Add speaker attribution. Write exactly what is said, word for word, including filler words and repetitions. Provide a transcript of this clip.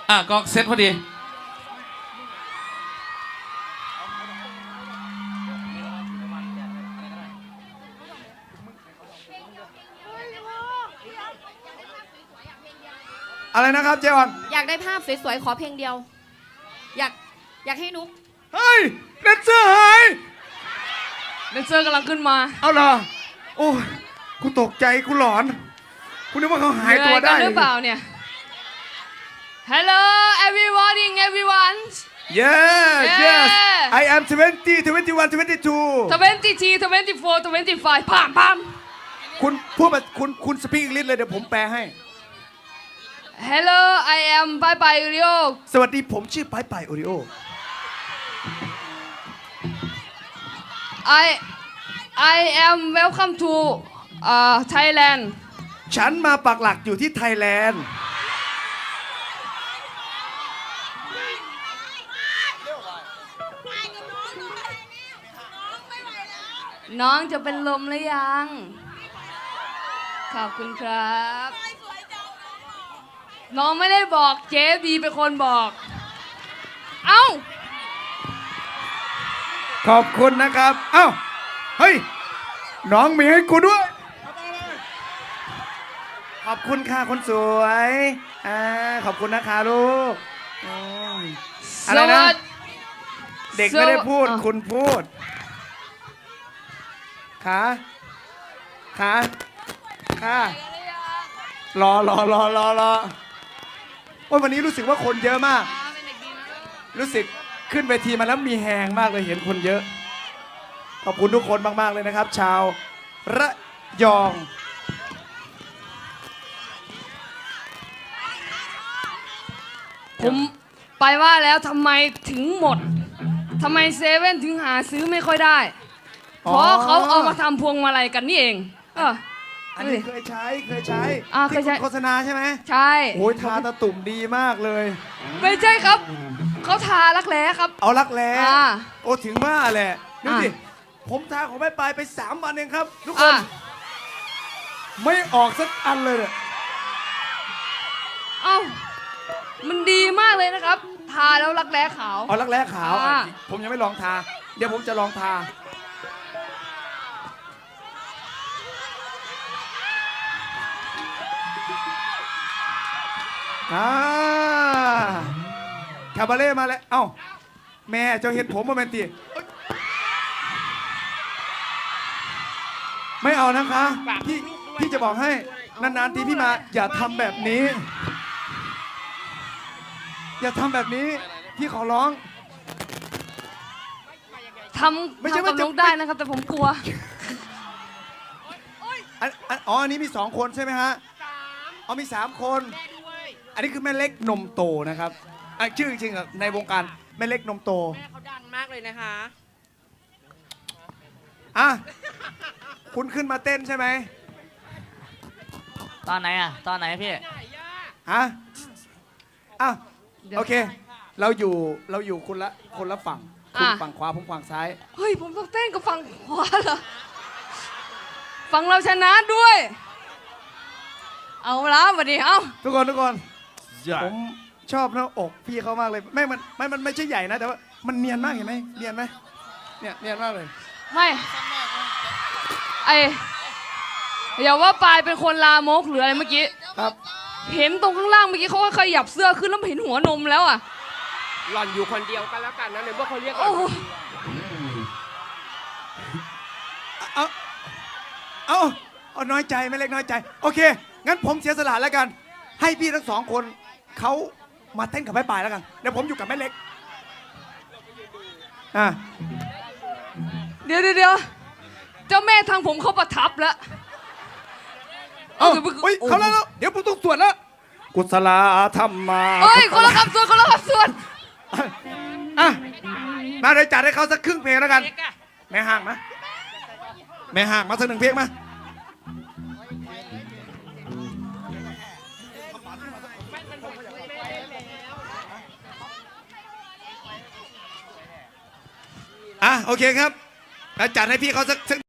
Speaker 1: อ่ะก็เซ็ตพอดี
Speaker 2: อะไรนะครับเจวัน
Speaker 3: อยากได้ภาพสวยๆขอเพลงเดียวอยากอยากให้นุ๊ก
Speaker 2: เฮ้ยแดนเซอร์หาย
Speaker 4: แดนเซอร์กำลังขึ้นมา
Speaker 2: เอาเหรอโอ้กูตกใจกูหลอนกูนึกว่าเขาหายตัวได้
Speaker 4: หรือเปล่าเนี่ย Hello everybody everyone
Speaker 2: Yes
Speaker 4: yes
Speaker 2: I am twenty twenty-one twenty-two
Speaker 4: twenty-three twenty-four twenty-five พามพาม
Speaker 2: คุณพูดแบบคุณคุณสปีกอังกฤษเลยเดี๋ยวผมแปลให้
Speaker 4: Hello I am Bye Bye Oreo
Speaker 2: สวัสดีผมชื่อปายปายโอริโอ
Speaker 4: I I am welcome to uh, Thailand
Speaker 2: ฉันมาปักหลักอยู่ที่ไทยแลนด์
Speaker 4: น้องจะเป็นลมหรือยัง ขอบคุณครับ น้องไม่ได้บอกเจ๊บีเป็นคนบอก เอ้า
Speaker 2: ขอบคุณนะครับเอ้าเฮ้ยน้องมีให้กูด้วยขอบคุณค่ะคนสวยอ่าขอบคุณนะคะลูกอะไรนะเด็กไม่ได้พูดคุณพูดขาขาขารอรอรอรอรอว่าวันนี้รู้สึกว่าคนเยอะมากรู้สึกขึ้นเวทีมาแล้วมีแหงมากเลยเห็นคนเยอะขอบคุณทุกคนมากๆเลยนะครับชาวระยอง
Speaker 4: ผมไปว่าแล้วทำไมถึงหมดทำไมเซเว่นถึงหาซื้อไม่ค่อยได้เพราะเขาเอามาทำพวงมาลัยกันนี่เองเออ
Speaker 2: อันนี้เคยใช้เคยใช้
Speaker 4: ที่
Speaker 2: โฆษณาใช่ไหม
Speaker 4: ใช่
Speaker 2: โอ้ยทาตะตุ่มดีมากเลย
Speaker 4: ไม่ใช่ครับเขาทารักแร้ครับ
Speaker 2: เอารักแร้โอ้ถึงว่าแหละดูสิผมทาของแม่ปลายไปสามวันเองครับทุกคนไม่ออกสักอันเลยเนี่ย
Speaker 4: เอ้ามันดีมากเลยนะครับทาแล้วรักแร้ขาว
Speaker 2: เอารักแร้ขาวผมยังไม่ลองทาเดี๋ยวผมจะลองทาอ่าคาบาเล่มาแล้วเอ้าแม่เจ้าเห็นผมมาเป็นตีไม่เอานะคะพี่พี่จะบอกให้นานๆทีพี่มาอย่าทำแบบนี้อย่าทำแบบนี้พี่ขอร้อง
Speaker 4: ทำทำกับน้องได้นะครับแต่ผมกลัว
Speaker 2: อ๋ออันนี้มีสองคนใช่ไหมฮะอ๋อมีสามคนอันนี้คือแม่เล็กนมโตนะครับชื่อจริงๆในวงการแม่เล็กนมโต
Speaker 3: แม่เขาดังมากเลยนะคะ
Speaker 2: อ่ะคุณขึ้นมาเต้นใช่ไหม
Speaker 5: ตอนไหนอ่ะตอนไหนพี่
Speaker 2: ฮะอ่ะโอเคเราอยู่เราอยู่คนละคนละฝั่งคุณฝั่งขวาผมฝั่งซ้าย
Speaker 4: เฮ้ยผมต้องเต้นกับฝั่งขวาเหรอฝั่งเราชนะด้วยเอาละวันนี้เอา
Speaker 2: ทุกคนทุกคนผมชอบหน้าอกพี่เขามากเลยไม่มันไม่มันไม่ใช่ใหญ่นะแต่ว่ามันเนียนมากเห็นไหมเนียนไหมเนี่ยเนียนมากเลย
Speaker 4: ไม่ไออย่าว่าปลายเป็นคนลามกหรืออะไรเมื่อกี้
Speaker 2: ครับ
Speaker 4: เห็นตรงข้างล่างเมื่อกี้เขาขยับเสื้อขึ้นแล้วเห็นหัวนมแล้วอ่ะ
Speaker 3: หล่อนอยู่คนเดียวกันแล้วกันนะเนี่ยว่าเขาเรียกกัน
Speaker 2: เอาเอาเอาน้อยใจไม่เล็กน้อยใจโอเคงั้นผมเสียสละแล้วกันให้พี่ทั้งสองคนเขามาเต้นกับแม่ปลายแล้วกันเดี๋ยวผมอยู่กับแม่เล็กอ่ะ
Speaker 4: เดี๋ยวเดี๋ยวเจ้าแม่ทางผมเขาประทับแล้ว
Speaker 2: เอ้าเฮ้ยเขาแล้วเดี๋ยวผมต้องสวดแล้วกุศลธรรมมา
Speaker 4: เฮ้ยคนละคำสวดคนละคำสวด
Speaker 2: อ่ะมาเลยจัดให้เขาสักครึ่งเพลงแล้วกันแม่ห่างมาแม่ห่างมาสักหนึ่งเพลงมาอ่ะโอเคครับแล้วจัดให้พี่เขาสัก